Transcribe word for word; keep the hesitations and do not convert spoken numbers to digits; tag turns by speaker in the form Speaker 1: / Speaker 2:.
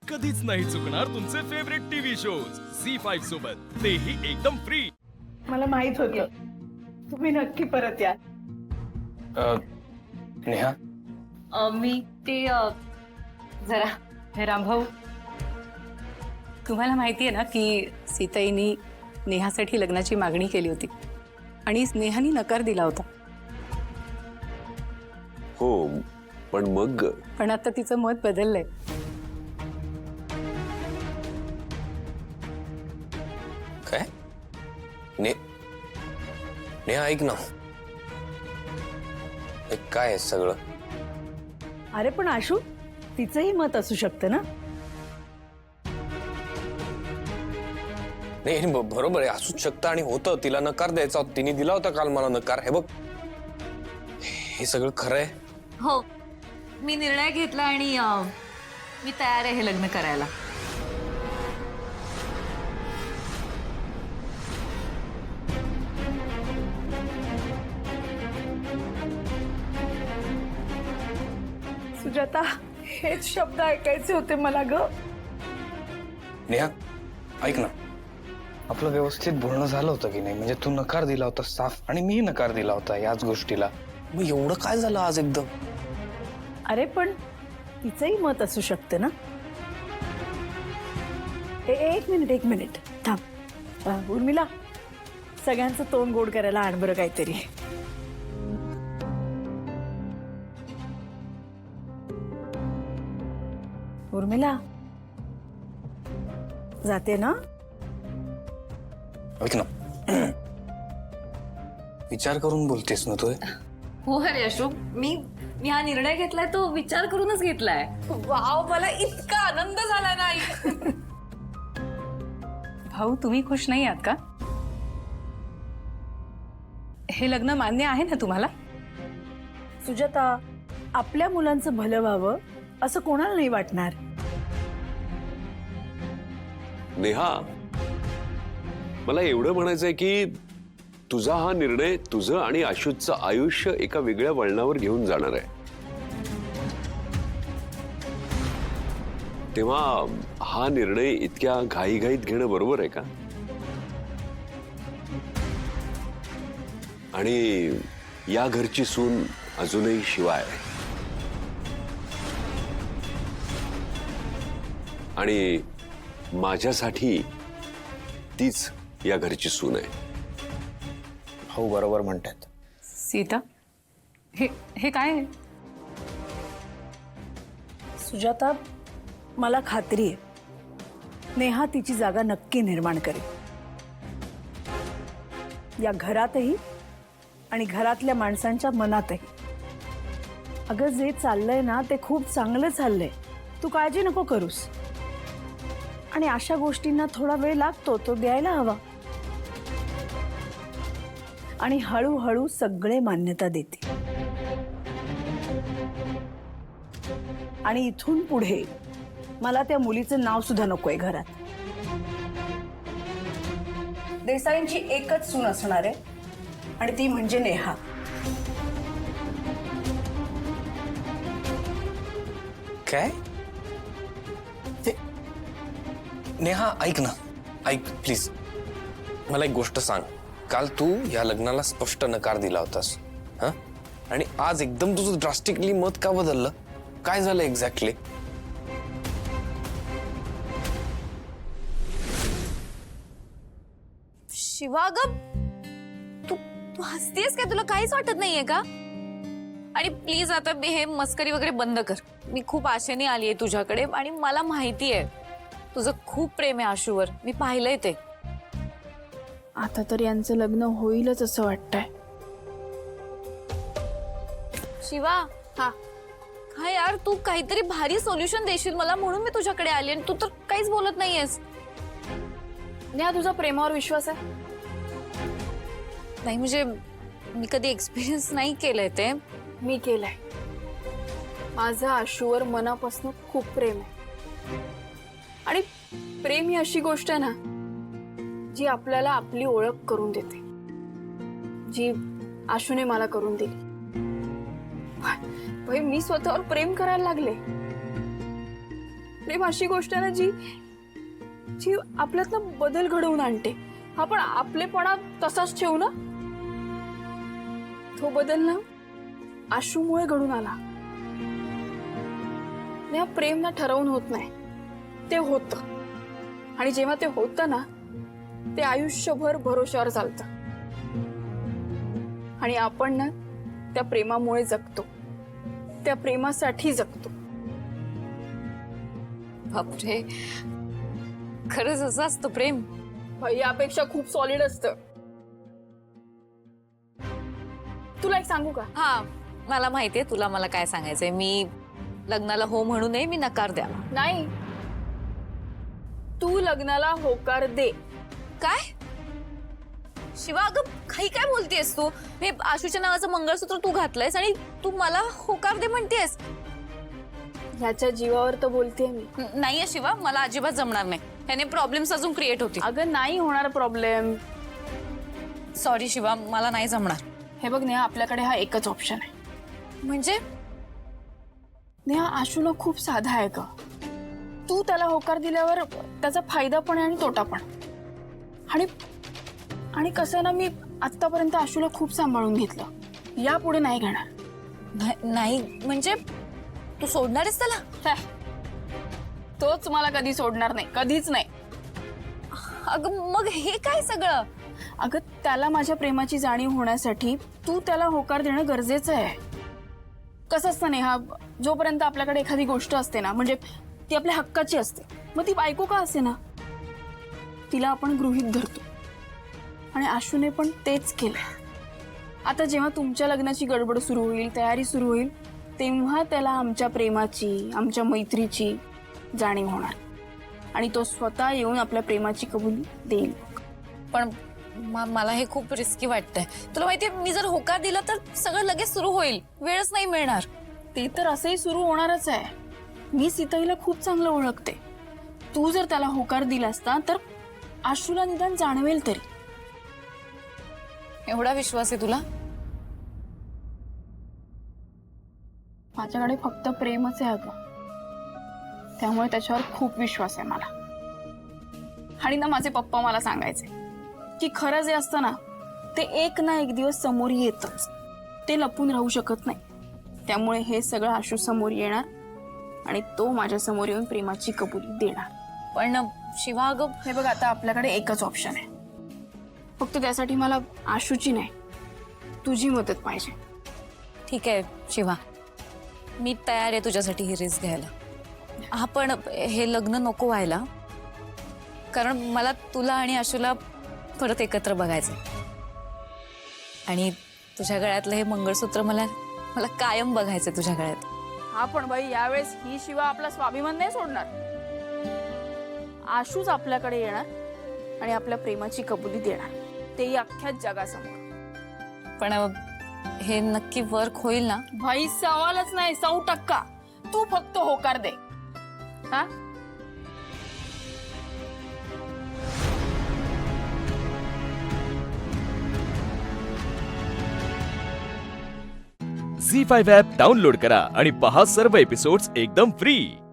Speaker 1: कधीच नाही चुकणार तुमचे favourite TV shows Zee five सोबत, तेही एकदम फ्री।
Speaker 2: मला माहित होतं तुम्ही नक्की परत या।
Speaker 3: नेहा
Speaker 4: अ, मी ते अ, जरा
Speaker 5: हे रामभाऊ, तुम्हाला माहिती आहे ना की सीताईनी नेहासाठी लग्नाची मागणी केली होती आणि नेहानी नकार दिला होता।
Speaker 6: हो, पण मग
Speaker 5: पण आता तिचं मत बदललंय।
Speaker 3: काय? ने नेहा ऐक ना, हे काय आहे सगळं?
Speaker 2: अरे पण आशू, तिचंही मत असू शकतं ना।
Speaker 3: नाही ब- बरोबर आहे, असूच शकतं आणि होतं। तिला नकार द्यायचा होता, तिने दिला होता काल मला नकार। हे बघ, हे सगळं खरं आहे?
Speaker 4: हो, मी निर्णय घेतला आणि अ, मी तयार आहे हे लग्न करायला।
Speaker 2: सुजाता, हेच शब्द ऐकायचे होते मला ग।
Speaker 3: नेहा ऐक ना, आपलं व्यवस्थित बोलणं झालं होतं की नाही? म्हणजे तू नकार दिला होता साफ आणि मी नकार दिला होता याच गोष्टीला। मग एवढं काय झालं आज एकदम?
Speaker 2: अरे पण तिचंही मत असू शकतं ना। ए, एक मिनिट एक मिनिट थांब। अ, उर्मिला, सगळ्यांचं तोंड गोड करायला आण बरं काहीतरी। उर्मिला, जाते ना?
Speaker 3: ऐक ना, विचार करून बोलतेस ना तू?
Speaker 4: हो अरे अशोक, मी मी हा निर्णय घेतलाय तो विचार करूनच घेतलाय। वाव, मला इतका आनंद झाला नाही।
Speaker 5: भाऊ, तुम्ही खुश नाही आहात का? हे लग्न मान्य आहे ना तुम्हाला?
Speaker 2: सुजाता, आपल्या मुलांचं भलं व्हावं असं कोणाला नाही वाटणार।
Speaker 6: नेहा, मला एवढं म्हणायचंय की तुझा हा निर्णय तुझं आणि आशुचं आयुष्य एका वेगळ्या वळणावर घेऊन जाणार आहे। तेव्हा हा निर्णय इतक्या घाईघाईत घेणं बरोबर आहे का? आणि या घरची सून अजूनही शिवा आहे आणि माझ्यासाठी तीच या घरची सून आहे।
Speaker 3: हो, बरोबर म्हणतात।
Speaker 5: सीता, हे हे काय आहे?
Speaker 2: सुजाता, मला खात्री आहे नेहा तिची जागा नक्की निर्माण करेल, या घरातही आणि घरातल्या माणसांच्या मनातही। अगं, जे चाललंय ना ते खूप चांगलं चाललंय, तू काळजी नको करूस। आणि अशा गोष्टींना थोडा वेळ लागतो, तो द्यायला हवा। आणि हळूहळू सगळे मान्यता देतील। आणि इथून पुढे मला त्या मुलीचं नाव सुद्धा नकोय घरात। देसाईंची एकच सून असणार आहे आणि ती म्हणजे नेहा।
Speaker 3: काय? ते नेहा ऐक ना, ऐक प्लीज, मला एक गोष्ट सांग। काल तू या लग्नाला स्पष्ट नकार दिला होतास, हा? आणि आज एकदम तुझं ड्रास्टिकली मत का बदललं? काय झालं एक्झॅक्टली?
Speaker 4: शिवा, ग तू तू हसतेस काय? तुला काहीच वाटत नाहीये का? आणि प्लीज आता हे मस्करी वगैरे बंद कर। मी खूप आशेने आली आहे तुझ्याकडे आणि मला माहिती आहे तुझं खूप प्रेम आहे आशूवर, मी पाहिलंय ते।
Speaker 7: आता तर यांचं लग्न होईलच असं वाटतंय।
Speaker 4: शिवा, हा काय यार, तू काहीतरी भारी सोल्युशन देशील मला म्हणून मी तुझ्याकडे आली आणि तू तर काहीच बोलत नाहीयेस।
Speaker 7: नेहा, तुझा प्रेमावर विश्वास आहे?
Speaker 4: नाही म्हणजे मी कधी एक्सपिरियन्स नाही केलंय ते।
Speaker 7: मी केलंय। माझं आशूवर मनापासून खूप प्रेम आहे। आणि प्रेम ही अशी गोष्ट आहे ना जी आपल्याला आपली ओळख करून देते, जी आशूने मला करून दिली। भाई, मी स्वतःवर प्रेम करायला लागले। प्रेम अशी गोष्ट आहे ना जी जी आपल्यात ना बदल घडवून आणते. आपण आपलेपणा तसाच ठेवू ना, तो बदल ना आशूमुळे घडून आला. या प्रेम ना ठरवून होत नाही, ते होतं. आणि जेव्हा ते होतं ना, ते आयुष्यभर भरोश्यावर चालतं. आणि आपण ना त्या प्रेमामुळे जगतो, त्या प्रेमासाठी जगतो.
Speaker 4: बापरे, खरंच असं असतं प्रेम?
Speaker 7: यापेक्षा खूप सॉलिड असतं. तुला एक सांगू का?
Speaker 4: हा, मला माहितीये तुला मला काय सांगायचंय. मी लग्नाला हो म्हणू नये, मी नकार द्यावा.
Speaker 7: नाही, तू लग्नाला होकार दे.
Speaker 4: काय शिवा, अगं काही काय बोलतेस तू? हे आशूच्या नावाचं मंगळसूत्र तू घातलंयस आणि तू मला होकार दे म्हणतेस?
Speaker 7: ह्याच्या जीवावर तर बोलतेय मी.
Speaker 4: न- नाहीये शिवा, मला अजिबात जमणार नाही. ह्याने प्रॉब्लेम्स अजून क्रिएट होतील.
Speaker 7: अगं नाही होणार प्रॉब्लेम.
Speaker 4: सॉरी शिवा, मला नाही जमणार.
Speaker 7: हे बघ नेहा, आपल्याकडे हा एकच ऑप्शन आहे.
Speaker 4: म्हणजे
Speaker 7: नेहा, आशूला खूप साधा आहे ग. तू त्याला होकार दिल्यावर त्याचा फायदा पण आहे आणि तोटा पण. आणि आणि कसं ना, मी आतापर्यंत आशूला खूप सांभाळून घेतलं, यापुढे नाही घेणार.
Speaker 4: नाही- नाही म्हणजे तू सोडणार आहेस त्याला?
Speaker 7: हॅ, तोच मला कधी सोडणार नाही, कधीच नाही.
Speaker 4: अगं मग हे काय सगळं?
Speaker 7: अगं त्याला माझ्या प्रेमाची जाणीव होण्यासाठी तू त्याला होकार देणं गरजेचं आहे. कसं असतं नेहा, जोपर्यंत आपल्याकडे एखादी गोष्ट असते ना, म्हणजे ती आपल्या हक्काची असते, मग ती बायको का असे ना, तिला आपण गृहीत धरतो. आणि आशूने पण तेच केलं. आता जेव्हा तुमच्या लग्नाची गडबड सुरू होईल, तयारी सुरू होईल, तेव्हा त्याला आमच्या प्रेमाची, आमच्या मैत्रीची जाणीव होणार. आणि तो स्वतः येऊन आपल्या प्रेमाची कबुली देईल.
Speaker 4: पण म- मला हे खूप रिस्की वाटतंय. तुला माहितीये, मी जर होकार दिला तर सगळं लगेच सुरू होईल, वेळच नाही मिळणार.
Speaker 7: ते तर असंही सुरू होणारच आहे. मी सीताईला खूप चांगलं ओळखते. तू जर त्याला होकार दिला असता तर आशूला निदान जाणवेल तरी.
Speaker 4: एवढा विश्वास आहे तुला?
Speaker 7: माझ्याकडे फक्त प्रेमच आहे अगं, त्यामुळे त्याच्यावर खूप विश्वास आहे मला. आणि ना माझे पप्पा मला सांगायचे की खरं जे असतं ना, ते एक ना एक दिवस समोर येतच, ते लपून राहू शकत नाही. त्यामुळे हे सगळं आशू समोर येणार आणि तो माझ्या समोर येऊन प्रेमाची कबुली देणार.
Speaker 4: पण शिवा अगं,
Speaker 7: हे बघ, आता आपल्याकडे एकच ऑप्शन आहे. फक्त त्यासाठी मला आशूची नाही, तुझी मदत पाहिजे.
Speaker 4: ठीक आहे शिवा, मी तयार आहे तुझ्यासाठी ही रिस्क घ्यायला. हा, पण हे लग्न नको व्हायला, कारण मला तुला आणि आशूला परत एकत्र बघायचं. आणि तुझ्या गळ्यातलं हे मंगळसूत्र मला मला कायम बघायचं तुझ्या गळ्यात.
Speaker 7: हा, पण बाई यावेळेस ही शिवा आपला स्वाभिमान नाही सोडणार. आशूच आपल्याकडे येणार आणि आपल्या प्रेमाची कबुली देणार, तेही अख्ख्या जगासमोर.
Speaker 4: पण हे नक्की वर्क होईल ना?
Speaker 7: भाई सवालच नाही, सौ टक्का. तू फक्त होकार दे. हा,
Speaker 1: झी फाईव्ह ॲप डाउनलोड करा आणि पहा सर्व एपिसोड्स एकदम फ्री.